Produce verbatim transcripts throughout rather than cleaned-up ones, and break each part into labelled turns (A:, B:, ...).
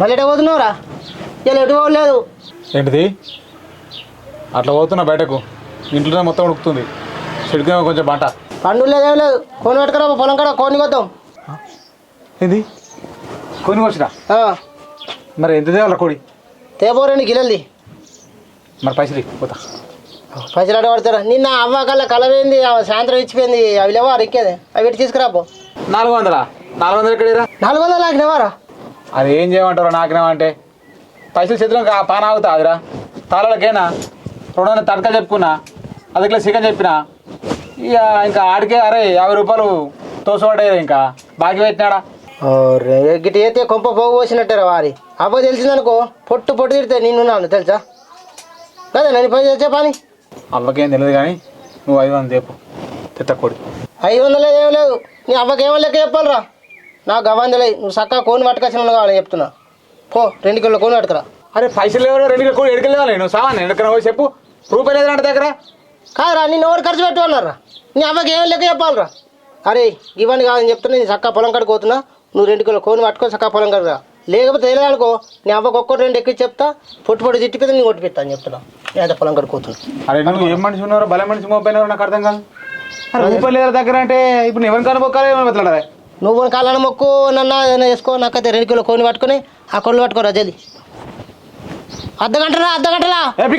A: మళ్ళీ ఎటు పోతున్నావురా? ఇలా ఎటు పోలేదు.
B: ఏంటిది అట్లా పోతున్నా బయటకు? ఇంట్లోనే మొత్తం ఉడుకుతుంది. చెడుకునే కొంచెం బంట.
A: పండు లేదేం లేదు. కోని పట్టుకురా, పొలం కాడ కోని కొద్దాం.
B: ఏంది కొని వచ్చినా? మరి ఎంత తేవాల కోడి?
A: తేపో రెండు గిల్లెల్ది.
B: మరి పైసలు పోతా.
A: పైసలు అడ పడతారా? నిన్న అవ్వ కల్లా కలవేంది, సాయంత్రం ఇచ్చిపోయింది. అవి లేవా రిక్కేది? అవి పెట్టి తీసుకురాపో.
B: నాలుగు వందలా? నాలుగు వందలు ఎక్కడిరా?
A: నాలుగు వందలు నాకునేవారా?
B: అది ఏం చేయమంటారు నాకునేమంటే పైసలు చేతిలో పాన ఆగుతా అదిరా. తాళాలకేనా రెండు వందలు తడక చెప్పుకున్నా, అది కిలో చికెన్ చెప్పిన. ఇక ఇంకా ఆడికే అరే యాభై రూపాయలు తోసపడ్డాయి. ఇంకా బాకీ పెట్టినాడా?
A: గిట్టి అయితే కొంప పోగు పోసినట్టారా వారి. అవ్వ తెలిసిందనుకో పొట్టు పొట్టు తిడితే నేనున్నాను తెలుసా కదా. నన్ను పని తెచ్చే పని
B: అవ్వకేం తెలియదు కానీ నువ్వు ఐదు వందలు చెప్పు తిత్తకోడి.
A: ఐదు వందలు ఏం లేదు. నీ అవ్వకేమో లెక్క చెప్పాలరా? నాకు గవ్వని తెలియదు. నువ్వు చక్కగా కోని పట్టుకొచ్చిన కావాలి చెప్తున్నా. పో రెండు కిలో కోని పట్టుకురా.
B: అరే పైసలు ఎవరో రెండు కిలో కోడి ఎడకెళ్ళాలి. నువ్వు సామాన్ ఎక్కడ పోయి చెప్పు. రూపాయలు లేదంటే దగ్గర
A: కాదురా. నిన్ను ఎవరు ఖర్చు పెట్టు అన్నారా? నీ అవ్వకి ఏం లెక్క చెప్పాలరా? అరే ఇవన్నీ కాదని చెప్తున్నా. నేను చక్కగా పొలం కాడికి పోతున్నా. నువ్వు రెండు కిలో కోని పట్టుకొని చక్కగా పొలం కాడికి రా. లేకపోతే తెలియదనుకో నీ అవ్వకు ఒక్కటి రెండు ఎక్కి చెప్తా. పొట్టు పొట్టు తిట్టిపోతే నేను కొట్టి పెడతా అని చెప్తున్నా. నేను పొలం కాడికి పోతున్నా.
B: అరే నువ్వు ఏం మనిషి ఉన్నారో బల మనిషి మోపోయినారో నాకు అర్థం కాదు. రూపాయలు లేదా దగ్గర అంటే ఇప్పుడు ఎవరిని కనుక్కోవాలి ఏమని మాట్లాడాలి?
A: నువ్వు కాళ్ళని మొక్కు నన్ను ఏదైనా వేసుకో. నాకైతే రెండు కిలో కోని పట్టుకొని ఆ కొళ్ళు పట్టుకోరా జల్ది. అర్ధ గంటలా అర్ధ గంటలా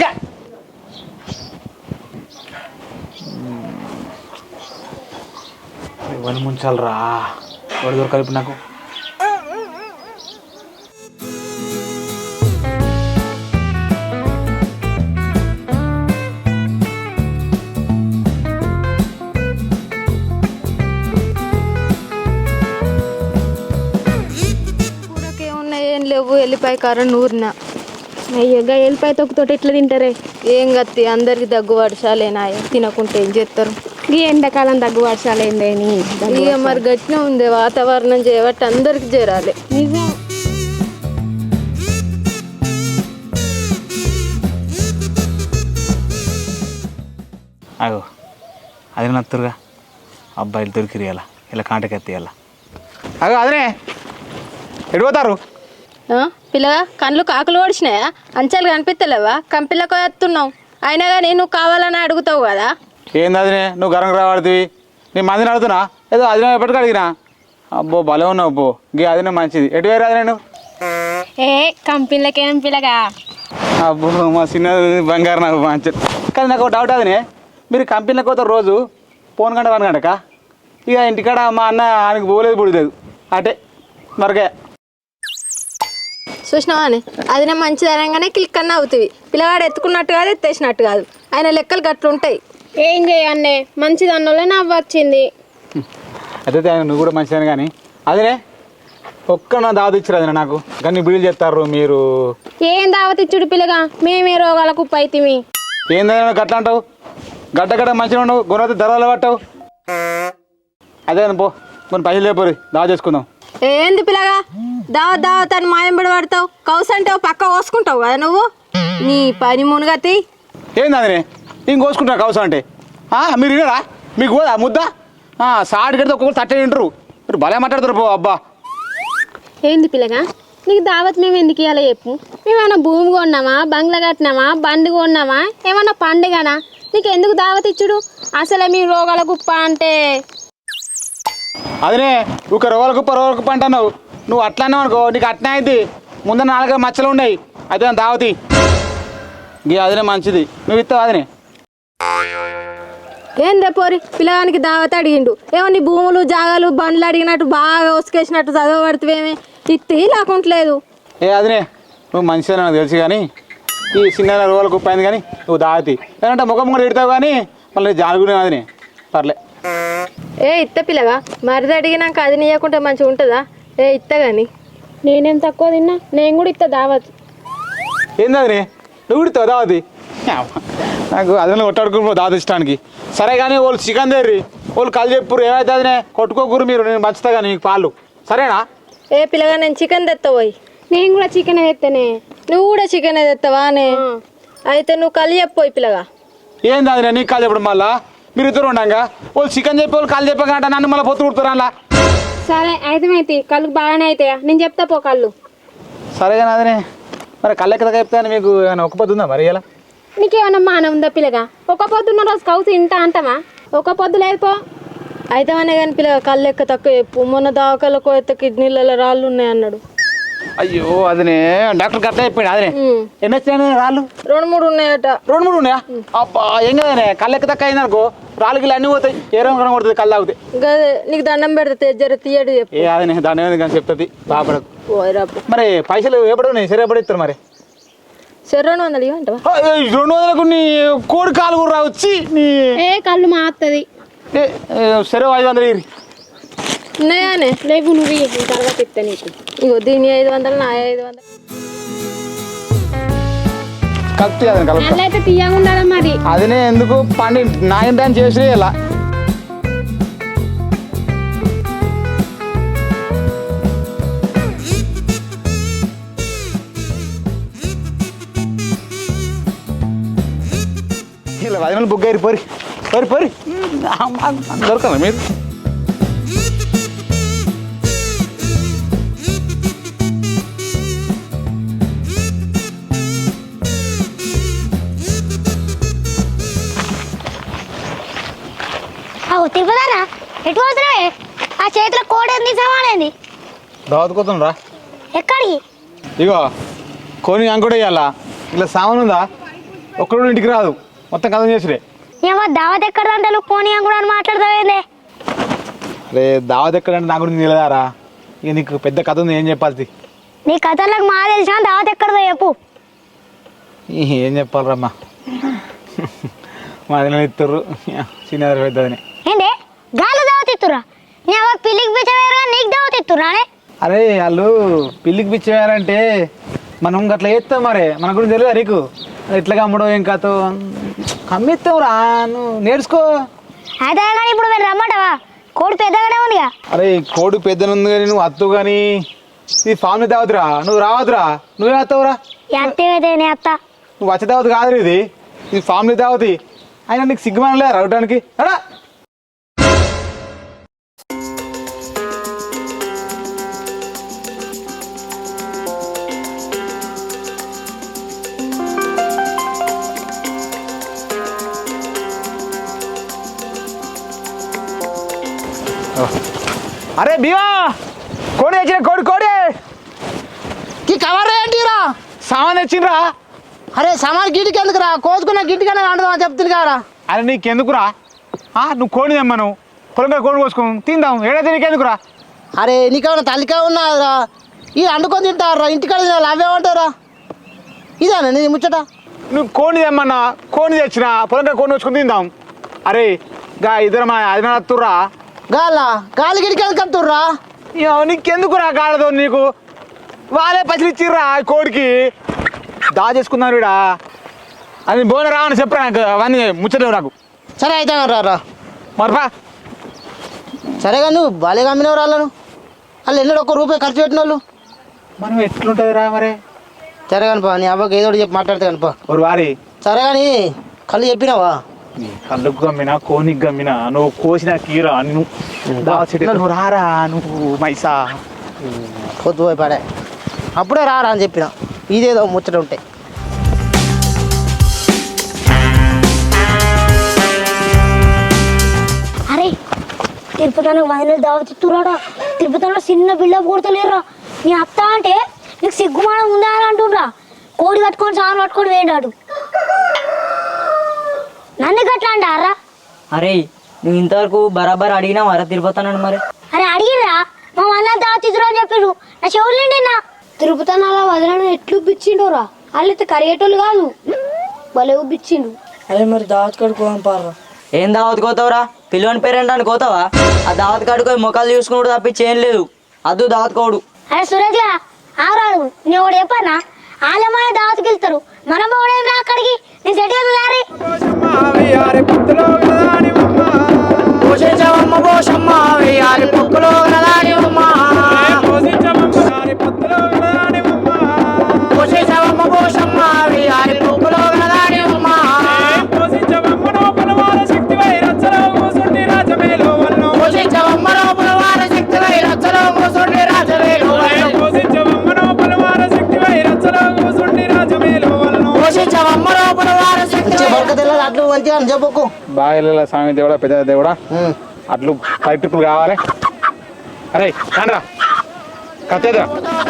B: ఇవన్నీ ముంచాలరా. వాడు దొరకాలి ఇప్పుడు నాకు.
C: ఏం లేవు. ఎల్లిపాయ కారం నూరిన. అయ్యగా ఎల్లిపాయ తొక్కుతోటి ఎట్లా తింటారే? ఏం గత్తి అందరికి దగ్గు వర్షాలేనా? తినకుంటే ఏం చేస్తారు? ఈ ఎండాకాలం దగ్గు వర్షాలేందేని ఇక మరి గట్టిన ఉంది వాతావరణం చేయబట్టి అందరికి చేరాలి. నిజం.
B: అగో అది నత్తురుగా అబ్బాయిలు దొరికిరియాల ఇలా కాంటకి ఎత్తియాల. అగో అదనే ఎడిపోతారు?
C: పిల్లగా కళ్ళు కాకులు ఓడిచినాయా? అంచాలు కనిపిస్తలేవా? కంపిల్లకు ఎత్తున్నావు. అయినా కానీ నువ్వు కావాలని అడుగుతావు కదా.
B: ఏంది అదినే నువ్వు గరం రావాడుతుంది? నీ మందిని అడుగుతున్నా ఏదో అదినే ఎప్పటికీ అడిగినా. అబ్బో భలే ఉన్నావు అబ్బో. గీ అదినే మంచిది. ఎటు వేరే అదినే నువ్వు?
C: ఏ కంపెనీలకేం పిల్లగా?
B: అబ్బో మా చిన్న బంగారు నాకు మంచిది. కానీ నాకు ఒక డౌట్ అదినే, మీరు కంపెనీలకు పోతారు రోజు ఫోన్ గంట వన్ గంటక. ఇక ఇంటికాడ మా అన్న ఆయనకు పోలేదు పుడలేదు అటే మరకే
C: చూసినావా అని అది నేను మంచిది అనగానే క్లిక్ అన్న అవుతుంది. పిల్లగాడు ఎత్తుకున్నట్టు కాదు ఎత్తేసినట్టు కాదు. ఆయన లెక్కలు గట్లుంటాయి. ఏం చేయన్నే మంచిది అన్నోళ్ళే నవ్వు వచ్చింది.
B: అయితే నువ్వు కూడా మంచిదని కానీ అదినే ఒక్క నా దావత్ ఇచ్చారు అదినే నాకు. కానీ బిల్లు చేస్తారు మీరు.
C: ఏం దావత్ ఇచ్చుడు పిల్లగా? మేమే రోగాలకు ఉప్పు అవుతుంది.
B: ఏందైనా గట్ల అంటావు? గడ్డ గడ్డ మంచిగా ఉండవు. గుణవతి ధరలు పట్టావు. అదే పో కొన్ని పైసలు లేపోరు దావా చేసుకుందాం.
C: ఏంది పిల్లగా దావత్ దావత్ అని మాయంబడి పడతావు? కౌసు అంటే పక్క కోసుకుంటావు కదా నువ్వు. నీ పని మునుగతి
B: ఏంది అదినే ఇంక కోసుకుంటారు కౌసు అంటే? మీరు వినరా? మీకు పోదా ముద్ద? సాడి కడితే ఒక్కొక్కరు తట్టే తింటారు. మీరు భలే మాట్లాడతారు పో. అబ్బా
C: ఏంది పిల్లగా నీకు దావత్ మేము ఎందుకు ఇవ్వాలి చెప్పు? మేమన్నా భూమి కొన్నామా, బంగ్లా కట్టినామా, బండి కొన్నామా, ఏమన్నా పండుగనా? నీకు ఎందుకు దావత్ ఇచ్చుడు? అసలే మీ రోగాల గుప్ప అంటే
B: అదినే ఒక రోగాల గుప్ప రోగాల గుప్ప అంటున్నావు. నువ్వు అట్లానే అనుకో నీకు అట్నే అయితే ముందు నాలుగు మచ్చలు ఉన్నాయి. అయితే దావతి గీ అదినే మంచిది. నువ్వు ఇస్తావు అదినే.
C: ఏందే పోరి పిల్లగానికి దావత్ అడిగిండు. ఏమో నీ భూములు జాగాలు బండ్లు అడిగినట్టు బాగా ఉసుకేసినట్టు చదవబడుతువేమే. ఇత్తి లేకుంటలేదు.
B: ఏ అదినే నువ్వు మంచిదని నాకు తెలుసు కానీ ఈ చిన్న రోగాల గుప్ప అయింది కానీ నువ్వు దావతి ఏంటంటే ముఖం కూడా పెడతావు కానీ మళ్ళీ జాలుగునే అదినే పర్లే.
C: ఏ ఇత్త పిల్లగా మరిది అడిగినాక అది నీయకుంటే మంచిగా ఉంటుందా? ఏ ఇత్త కానీ నేనేం తక్కువ తిన్నా. నేను కూడా ఇత్త దావత్.
B: ఏంది అదినే నువ్వు కూడా ఇస్తావు దావతి? నాకు అదే కొట్టాడుకు దావత్ ఇష్టానికి. సరే కానీ వాళ్ళు చికెన్ తెర్రి వాళ్ళు కళ్ళు చెప్పురు ఏమైతే అదినే కొట్టుకోకూరు మీరు. నేను మంచుతా కానీ నీకు పాలు సరేనా?
C: ఏ పిల్లగా నేను చికెన్ తెస్తావు. నేను కూడా చికెన్ తెస్తానే. నువ్వు కూడా చికెన్ తెస్తావా అనే? అయితే నువ్వు కళ్ళు చెప్పోయి పిల్లగా.
B: ఏంది అదినే నీకు కాలు చెప్పడం? మళ్ళా మీరు ఇద్దరు ఉండగా వాళ్ళు చికెన్ చెప్పి వాళ్ళు కాళ్ళు చెప్పగా నన్ను మళ్ళీ పొత్తు కుడుతారు అలా.
C: సరే అయితే కళ్ళు బాగానే అవుతాయా? నేను చెప్తా పో కళ్ళు.
B: సరే కానీ అదనే మరి కళ్ళెక్క చెప్తాను మీకు ఏమైనా ఒక్క పొద్దు ఉందా మరి ఇలా
C: నీకేమన్నా మానం ఉందా పిల్లగా ఒక పొద్దున్న రోజు కౌసు ఇంటా అంటామా ఒక పొద్దు లేదు పో అయితే అనే కానీ పిల్లగా కళ్ళు ఎక్క తక్కువ చెప్పు మొన్న దావకాలకు అయితే కిడ్నీలలో రాళ్ళు ఉన్నాయి అన్నాడు
B: అయ్యో అదనే డాక్టర్ కరెక్ట్ అయిపోయాడు అదనే ఎన్ని వచ్చాయని రాళ్ళు
C: రెండు మూడు ఉన్నాయట
B: రెండు మూడు ఉన్నాయా అబ్బా ఏం కదనే కళ్ళెక్క తక్కువ అయిందనుకో రాళ్ళు గిళ్ళు అన్నీ పోతాయి ఏ రంగు కనబడుతుంది కళ్ళు తాగుతాయి
C: గదే నీకు దండం పెడితే జర తీయడు చెప్పు
B: ఏ అదనే దాని ఏమైంది కానీ చెప్తుంది బాపడకు
C: పోయిరాపు
B: మరి పైసలు ఎప్పుడు ఉన్నాయి సరే ఎప్పుడు ఇస్తారు మరి
C: సరే రెండు వందలు ఇవ్వంటావా
B: ఆ, ఏయ్, రెండు వందలకు నీ కోడి కాలు కూడా రావచ్చి నీ
C: ఏ కళ్ళు మాత్తది
B: ఏ, ఏ, సరే ఐదు వందలు ఇరి
C: ఉన్నాయానే లేవు నువ్వు ఇయ్యి, తర్వాత ఇస్తా నీకు ఇగో దీని ఐదు వందలు నా ఐదు వందలు
B: కత్తి అదని కలుపుతా
C: అయితే తీయకుండా మరి
B: అదినే ఎందుకు పండి నాయన దాన్ని చేసి ఇలా ఇలా పది మంది బుక్ అయ్యి పోరి పోరి పోరి దొరకదా మీరు
D: తిరుగుతారా ఎటు పోతున్నావే ఆ చేతిలో కోడేంది సమానేంది
B: దావతుకోతాం రా
D: ఎక్కడికి
B: ఇగో కొని అంకుడే ఇవ్వాల ఇలా సామాన్ ఉందా ఒక్కడు ఇంటికి రాదు మొత్తం కథం చేసిరే
D: ఏమో దావత్ ఎక్కడ అంటే పోనీ అని కూడా మాట్లాడతావేందే
B: రే దావత్ ఎక్కడంటే నా గురించి నిలదారా ఇక నీకు పెద్ద కథ ఉంది ఏం చెప్పాలి
D: నీ కథలకు మా తెలిసిన దావత్ ఎక్కడదో చెప్పు
B: ఏం చెప్పాలరమ్మా మా దిన ఇస్తారు చిన్న పెద్దదని
D: ఏంటి గాలి దావత్ ఇస్తురా నీ అవ్వ పిల్లికి పిచ్చవేరుగా నీకు దావత్ ఇస్తురా
B: అరే వాళ్ళు పిల్లికి పిచ్చేయాలంటే మనం అట్లా చేస్తాం మరే మన గురించి తెలియదా నీకు ఎట్లా కమ్మడో ఏం కథ కమ్మిస్తాం రా నువ్వు నేర్చుకో
D: అయితే కానీ ఇప్పుడు మీరు రమ్మంటావా కోడి పెద్దగానే ఉందిగా
B: అరే కోడి పెద్దనుంది కానీ నువ్వు అత్తు కానీ ఇది ఫామ్ని తావద్దురా నువ్వు రావద్దురా నువ్వే వస్తావురా
D: ఎత్తైతే నీ అత్త
B: నువ్వు వచ్చే తావద్దు కాదు ఇది ఇది ఫామ్ని తావతి అయినా నీకు సిగ్గుమని లేదా రావడానికి అడా అరే భీమా కోడి తెచ్చిన కోడి కోడి
A: ఈ కవర్ ఏంటిరా
B: సామాన్ తెచ్చిండ్రా
A: అరే సామాన్ గిటికి ఎందుకురా కోసుకున్న గిటికనే వండుదామని చెప్తుంది కదరా
B: అరే నీకెందుకురా నువ్వు కోడి తెమ్మను పొలంగా కోడి కోసుకుని తిందాం ఏడైతే నీకెందుకురా
A: అరే నీకేమైనా తల్లికా ఉన్నారా ఇది వండుకొని తింటారా ఇంటికాడ తినాలి అవేమంటారా ఇదేనా నీ ముచ్చట
B: నువ్వు కోడి తెమ్మన్నా కోడి తెచ్చిన పొలంగా కోడి వచ్చుకుని తిందాం అరే గా ఇద్దరు మా అది వస్తుర్రా
A: గాల గాలి గిటికి ఎందుకు కత్తుర్రా
B: నీకెందుకురా గాలతో నీకు వాళ్ళే పైసలు ఇచ్చిర్రా కోడికి దా చేసుకున్నాను వీడా అది బోన రావని చెప్పరా నాకు అవన్నీ ముచ్చలేవు నాకు
A: సరే అయితే రా రా
B: మరపా
A: సరేగా నువ్వు బాలేగా అమ్మినవారు వాళ్ళను వాళ్ళు ఎన్నడూ ఒక్క రూపాయి ఖర్చు పెట్టిన వాళ్ళు
B: మనం ఎట్లుంటుంది రా మరి
A: సరే కానిపా నీ అవ్వకి ఏదో ఒకటి చెప్పి మాట్లాడితే కానిపా
B: ఒక వారి
A: సరే కానీ కళ్ళు చెప్పినావా
B: నీ కళ్ళకు గమ్మినా కోనికి గమ్మినా నువ్వు కోసిన కీరా నువ్వు దా చెట్టు నువ్వు రారా నువ్వు మైసా
A: పొద్దు పోయి పడే అప్పుడే రారా అని చెప్పిన ఇదేదో ముచ్చట ఉంటాయి
D: అరే తిరుపతిలో వదిలేదు దావత్ ఇస్తురాడా తిరుపతిలో చిన్న బిల్ల కొడతలేరా నీ అత్త అంటే నీకు సిగ్గుమానం ఉందా అని అంటుండ్రా కోడి కట్టుకొని సాను పట్టుకొని వేడాడు నన్ను గట్లా అంటారా
E: అరే నువ్వు ఇంతవరకు బరాబర్ అడిగినా వర తిరుపతానని మరి
D: అరే అడిగిరా మా వల్ల దావత్ ఇద్దరు అని చెప్పారు నా చెవులు నిండినా తిరుపతి అలా వదలను ఎట్లు బిచ్చిండోరా వాళ్ళైతే కరిగేటోళ్ళు కాదు భలే బిచ్చిండు
E: అదే మరి దావత్ కాడికి పోదాం పారా ఏం దావత్ కోతావురా పిల్లని పేరేంటాను కోతావా ఆ దావత్ కాడికి మొక్కలు చూసుకున్నాడు తప్పించి ఏం లేదు అద్దు దావత్ కోడు
D: అరే సురేష్గా ఆరాడు నేను ఒకటి చెప్పానా వాళ్ళ దావత్కి వెళ్తారు మనం పోవడం రా అక్కడికి నేను సెట్ అవుతుంది
F: శక్తి
A: అట్లు మంచిగా అని చెప్పకు.
B: బాగా స్వామి దేవుడా పెద్ద దేవుడా అట్లు కరెక్ట్ కావాలి. అరే కానరా కత్తేదా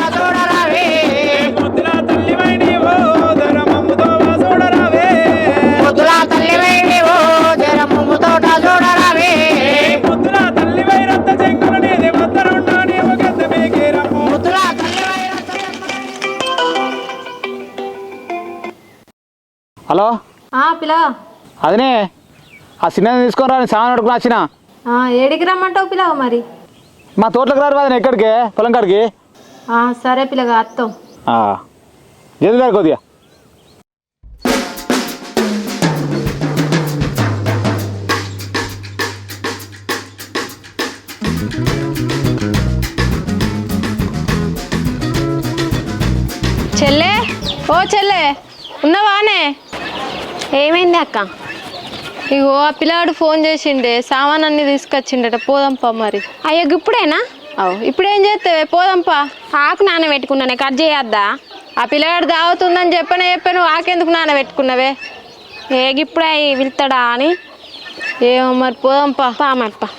B: హలో
C: పిల్లగా
B: అదనే ఆ చిన్నది తీసుకొని రా సామాన్ అడుగుని వచ్చిన
C: ఏడికి రమ్మంటావు పిల్లగా మరి
B: మా తోటలకు రారు అదన ఎక్కడికి పొలం కాడికి
C: సరే పిల్లగా అత్తం
B: జల్దీ గారు కొద్దిగా
C: చెల్లే ఓ చెల్లే ఉన్నవానే ఏమైంది అక్క ఇగో ఆ పిల్లాడు ఫోన్ చేసిండే సామాన్ అన్ని తీసుకొచ్చిండట పోదాంపా మరి అయ్యో ఇప్పుడేనా అవు ఇప్పుడేం చేస్తావే పోదాంపా ఆకు నానబెట్టుకున్నానే కట్ చేయొద్దా ఆ పిల్లగాడు దావుతుందని చెప్పనే చెప్పాను ఆకెందుకు నానబెట్టుకున్నావే ఏగిప్పుడే వెళ్తాడా అని ఏమో మరి పోదాంపా పా మరి పా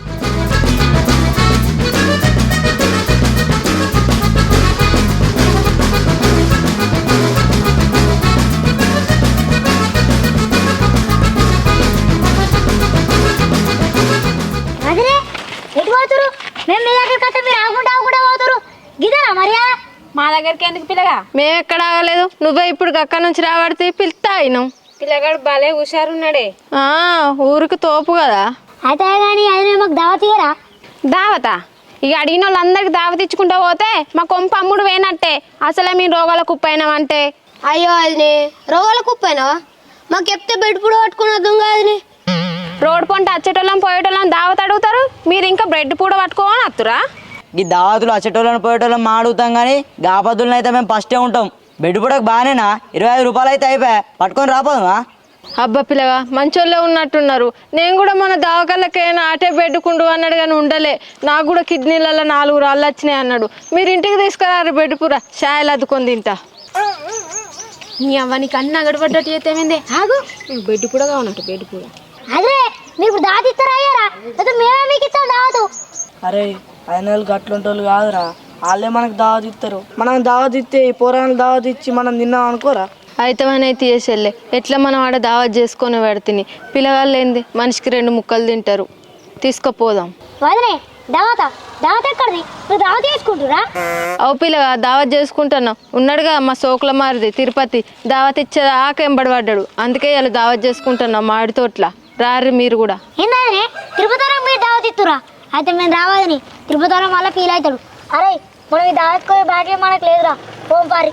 D: అదే ఎటు పోతురు? మేము మీ దగ్గరికి వస్తే మీరు ఆగుంటా ఆగుంటా పోతురు గిదా మరియా?
C: మా దగ్గరికి ఎందుకు పిల్లగా మేము ఎక్కడ ఆగలేదు నువ్వే ఇప్పుడు అక్కడ నుంచి రాబడితే పిలుస్తా అయినాం పిల్లగాడు భలే హుషారున్నాడే ఊరికి తోపు కదా
D: అయితే కానీ అది మాకు దావత్ ఇయ్యరా?
C: దావతా ఇక అడిగిన వాళ్ళందరికి దావత్ ఇచ్చుకుంటా పోతే మా కొంప అమ్ముడు వేయనట్టే అసలే మీ రోగాల కుప్పైనామంటే
D: అయ్యో అది రోగాల కుప్పైనావా? మాకు చెప్తే బెడ్పుడు పట్టుకుని వద్దాం కాదని.
C: రోడ్ పంట వచ్చేటోళ్ళం పోయేటోళ్ళం దావత్ అడుగుతారు మీరు ఇంకా బ్రెడ్ పూడ పట్టుకోని వస్తురా
E: ఈ దావతులు వచ్చేటోళ్ళని పోయేటోళ్ళని మా అడుగుతాం కానీ గాపద్దులను అయితే మేము ఫస్టే ఉంటాం. బెడ్ పూడకు బాగానేనా ఇరవై ఐదు రూపాయలు అయితే అయిపోయా పట్టుకొని రాపోదుమా?
C: అబ్బా పిల్లగా మంచోళ్ళే ఉన్నట్టున్నారు నేను కూడా మన దావకాళ్ళకైనా ఆటే బెడ్డుకుండు అన్నాడు కానీ ఉండలే నాకు కూడా కిడ్నీలలో నాలుగు రాళ్ళు వచ్చినాయి అన్నాడు మీరు ఇంటికి తీసుకురారు బెడ్ పూర షాయలు అద్దుకొని తింటా నీ అవ్వ నీకు అన్ని అగడబడ్డట్టు చేతేమైంది ఆగు బెడ్ పూడ కావన్నట్టు బెడ్ పూడ
D: అదే మీకు దావత్ ఇస్తారా అయ్యారా? అయితే మేమే మీకు ఇస్తాం దావతు.
F: అరే ఆయన గట్లుంటోళ్ళు కాదురా వాళ్ళే మనకు దావత్ ఇస్తారు. మనం దావత్ ఇస్తే ఈ పోరాలను దావత్ ఇచ్చి మనం తిన్నాం అనుకోరా?
C: అయితేమని తీసేళ్ళే ఎట్లా మనం ఆడ దావత్ చేసుకొని పెడితే పిల్లగాళ్ళు ఏంది మనిషికి రెండు ముక్కలు తింటారు తీసుకుపోదాం.
D: వదిలే దావత దావత్ ఎక్కడిది? నువ్వు దావత్ చేసుకుంటురా?
C: అవు పిల్లగా దావత్ చేసుకుంటున్నాం ఉన్నాడుగా మా సోకుల మారిది తిరుపతి దావత్ ఇచ్చే ఆకెంబడి పడ్డాడు అందుకే ఇలా దావత్ చేసుకుంటున్నాం మాడి తోట్ల రారు మీరు కూడా.
D: ఏందనే తిరుపతిలో మీరు దావత్ ఇస్తురా? అయితే మేము రావాలని తిరుపతిలో మళ్ళీ ఫీల్ అవుతాడు. అరే మనం ఈ దావత్ పోయే భాగ్యం మనకు లేదురా. పోం పారి.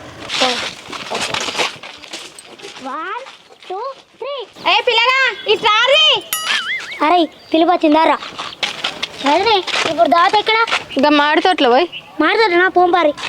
D: One two three.
C: ఏ పిల్లగా ఇట్లా
D: అరే పిలుపు వచ్చిందారా? అదే ఇప్పుడు దావత్ ఎక్కడ?
C: ఇంకా మాడి తోట్ల పోయి
D: మాట్లాడు నా పోం పారి.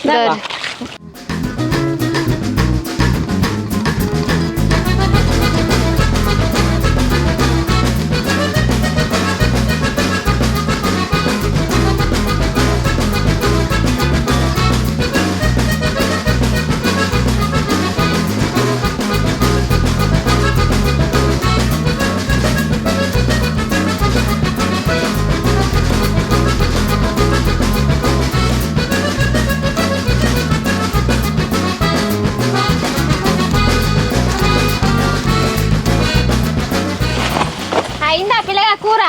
C: అయిందా పిల్లగా కూర?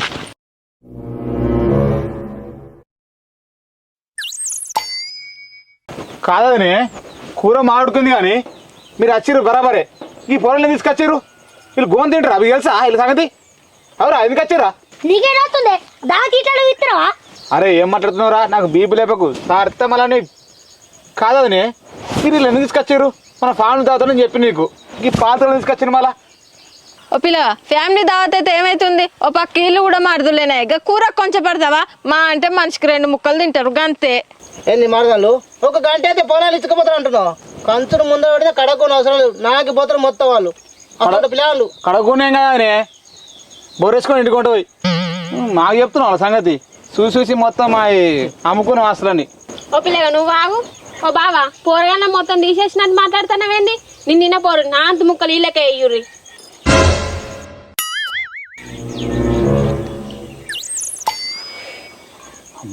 B: కాదని కూర మాడుకుంది కానీ మీరు వచ్చిర్రు బరాబరే. ఈ పొరల్ని తీసుకొచ్చారు వీళ్ళు గోన్ తింటారు అవి తెలుసా వీళ్ళ సంగతి? అవురా ఎందుకు వచ్చారా?
D: నీకేటవుతుంది దావత్ ఇట్లా ఇస్తున్నావా?
B: అరే ఏం మాట్లాడుతున్నావురా నాకు బీపీ లేపకు సార్తే మళ్ళీ కాదని మీరు వీళ్ళు ఎందుకు తీసుకొచ్చారు? మన ఫ్యామిలీ తాగుతానని చెప్పి నీకు ఈ పాత్రలు తీసుకొచ్చారు మళ్ళా.
C: ఓ పిల్లగా ఫ్యామిలీ దావత్ అయితే ఏమైతుంది ఓ పక్క ఇల్లు కూడా మరదులేనాయి ఇక కూర కొంచెం పడతావా మా అంటే మనిషికి రెండు ముక్కలు తింటారు గంతే.
A: ఏంది మరదాలు ఒక గంట అయితే పొలాలు ఇసుకపోతారు అంటున్నావు కంచుడు ముందర పడితే కడగకొని అవసరం లేదు నాకి పోతారు మొత్తం వాళ్ళు అక్కడ పిల్లలు
B: కడగకునేం కదా అని బొరేసుకొని ఇంటికొంట పోయి మాకు చెప్తున్నావు వాళ్ళ సంగతి చూసి చూసి మొత్తం మా అమ్ముకునే వాసులని.
C: ఓ పిల్లగా నువ్వు ఆగు. ఓ బావా పోరగానే మొత్తం తీసేసినట్టు మాట్లాడుతున్నావేంది? నిన్న పోరు నా అంత ముక్కలు ఇళ్ళకే అయ్యూరి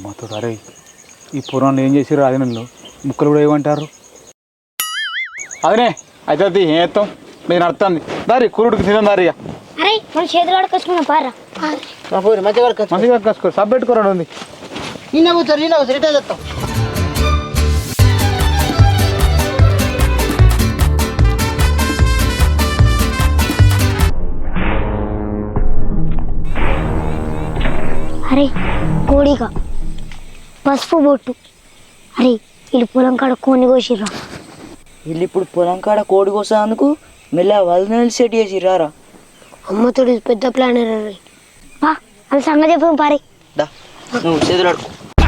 B: అమ్మతో అరే ఈ పురాణాలు ఏం చేసారు అదినలో ముక్కలు కూడా ఏమంటారు అదనే అయితే అది ఏం చేస్తాం మీరు నడుతుంది దారి కూరుడికి తినం దారి ఇక.
D: అరే మన చేతులు కడుకొచ్చుకున్నాం పారా
A: మా పోయి మంచిగా వరకు
B: మంచిగా కసుకో సబ్ పెట్టుకోరాడు ఉంది
A: నిన్న కూర్చోరు నిన్న కూర్చొని రిటైర్ చేస్తాం
D: అరే కోడిగా పసుపు బొట్టు అరే వీళ్ళు పొలం కాడ కోని కోసిర్రా
E: వీళ్ళు ఇప్పుడు పొలం కాడ కోడి కోసేందుకు మెల్ల వదిన సెట్ చేసి రారా
D: అమ్మతోడు పెద్ద ప్లాన్ రే బా అది సంగతి చెప్పాం పారే
E: దా నువ్వు చేతులు అడుకో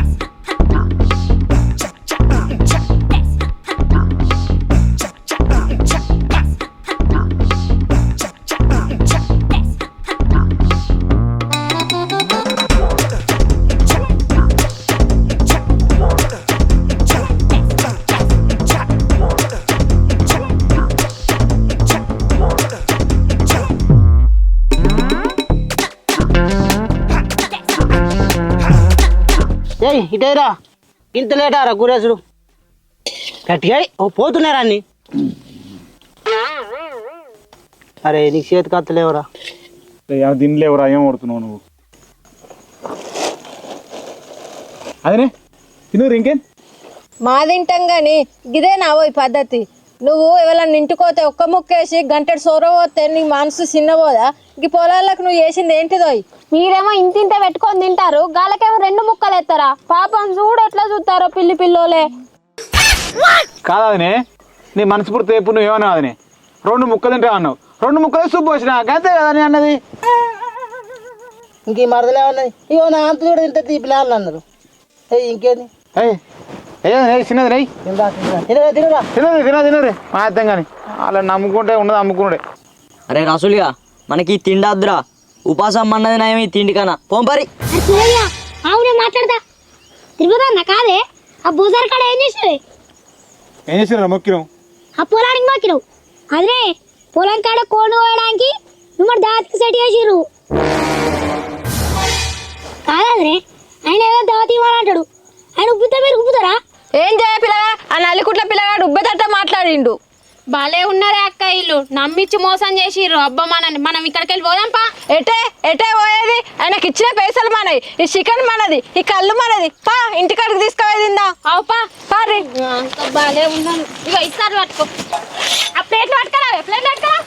A: ఏయ్ ఇటేరా ఇంత లేటారా గురేసుడు గట్టిగా ఓ పోతున్నారా అన్ని అరే నీకు చేతి కత్తలేవరా
B: తినలేవురా ఏం కొడుతున్నావు నువ్వు అదనే తినరు ఇంకేం
C: మా తింటాం కానీ ఇదే నా ఈ పద్ధతి నువ్వు ఎవరన్నా ఇంటికోతే ఒక్క ముక్కేసి గంటడు సొర పోతే నీ మనసు చిన్నపోదా ఈ పొలాలకు నువ్వు చేసింది ఏంటిదోయ్ మీరేమో ఇంతింత పెట్టుకొని తింటారు గాలకేమో రెండు ముక్కలు ఎత్తారా పాపం చూడు ఎట్లా చూస్తారో పిల్లి పిల్లోలే
B: కాదనే నీ మనసు పూర్తి రేపు నువ్వు ఏమన్నా అదనే రెండు ముక్కలు తింటా అన్నావు రెండు ముక్కలు సూప్ వచ్చినా అంతే కదా నీ అన్నది
A: ఇంక మరదలే ఉన్నది ఇగో నా అంత కూడా ఇంత తీ పిల్లలు అన్నారు ఏయ్ ఇంకేంది
B: ఏయ్ ఏ చిన్నది నెయ్యి
A: తినరా తినరా
B: తినరు తిన తినరు మా అర్థం కానీ అలా నమ్ముకుంటే ఉన్నది అమ్ముకున్నాడే
E: అరే రసులుగా మనకి తిండద్దురా ఉపాసం అన్నది నయం ఈ తిండి కన్నా పోంపరి
D: అవునే మాట్లాడతా తిరుగుతా నా కాదే ఆ బూజార్ కాడ ఏం చేసినవి
B: ఏం చేసినారా మొక్కినాం
D: ఆ పొలానికి మాకినావు అదే పొలం కాడ కోను కోయడానికి మిమ్మల్ని దావత్కి సెట్ చేసిర్రు కాదే ఆయన ఏదో దావత్ ఇవ్వాలంటాడు ఆయన ఉబ్బుతా మీరు ఉబ్బుతారా
C: ఏం చేయ పిల్లగా ఆ నల్లికుట్ల పిల్లగాడు ఉబ్బెతట్ట మాట్లాడిండు భలే ఉన్నారే అక్క ఇల్లు నమ్మిచ్చి మోసం చేసిర్రు అబ్బా మనని మనం ఇక్కడికి వెళ్ళి పోదాంపా ఎటే ఎటే పోయేది ఆయనకి ఇచ్చిన పైసలు మనది ఈ చికెన్ మనది ఈ కళ్ళు మనది పా ఇంటికాడికి తీసుకుపోయిందా అవు పా పారి భలే ఉన్నాను ఇక ఇస్తారు పట్టుకో ఆ ప్లేట్లు పట్టుకరా ప్లేట్లు పట్టుకరా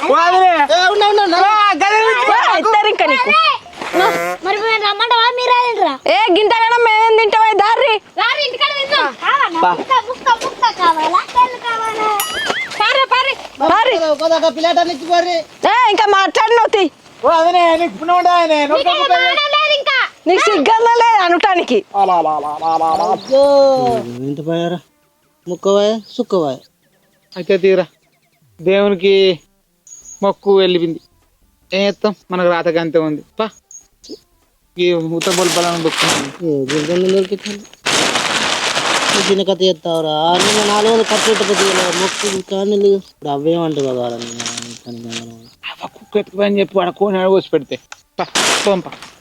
C: ఇస్తారు ఇంకా నీకు
D: మరి మేము రమ్మంటావా మీరు రాదంటరా
C: ఏ గింతగానం మేమేం తింటామో దారి
D: రారు ఇంటికాడ తిందాం కావాలా ముక్క ముక్క కావాలా కళ్ళు కావాలా
C: పారి పారి పారి
A: పిల్లట నుంచి పోరి
C: ఏ ఇంకా మాట్లాడినవుతి
D: ఇంకా
C: నీకు సిగ్గర్లో లేదు అనటానికి
A: ఎంత పోయారా ముక్కవాయ సుక్కవాయ
B: అయితే తీరా దేవునికి మొక్కు వెళ్ళిపోయింది ఏం చేస్తాం మనకు రాతకి అంతే ఉంది పా ఈ ఉత్త బొల్పలను దొక్కుతుంది
A: దొరికింది చిన్న కథ చేస్తావురా నేను నాలుగు వందలు ఖర్చు పెట్టకపోతే మొక్కు కానీ ఇప్పుడు అవేమంటావు కదా
B: కుక్క ఎత్తుకుపోయి అని చెప్పి వాడు కోని అడగొచ్చి పెడితే పా పోంపా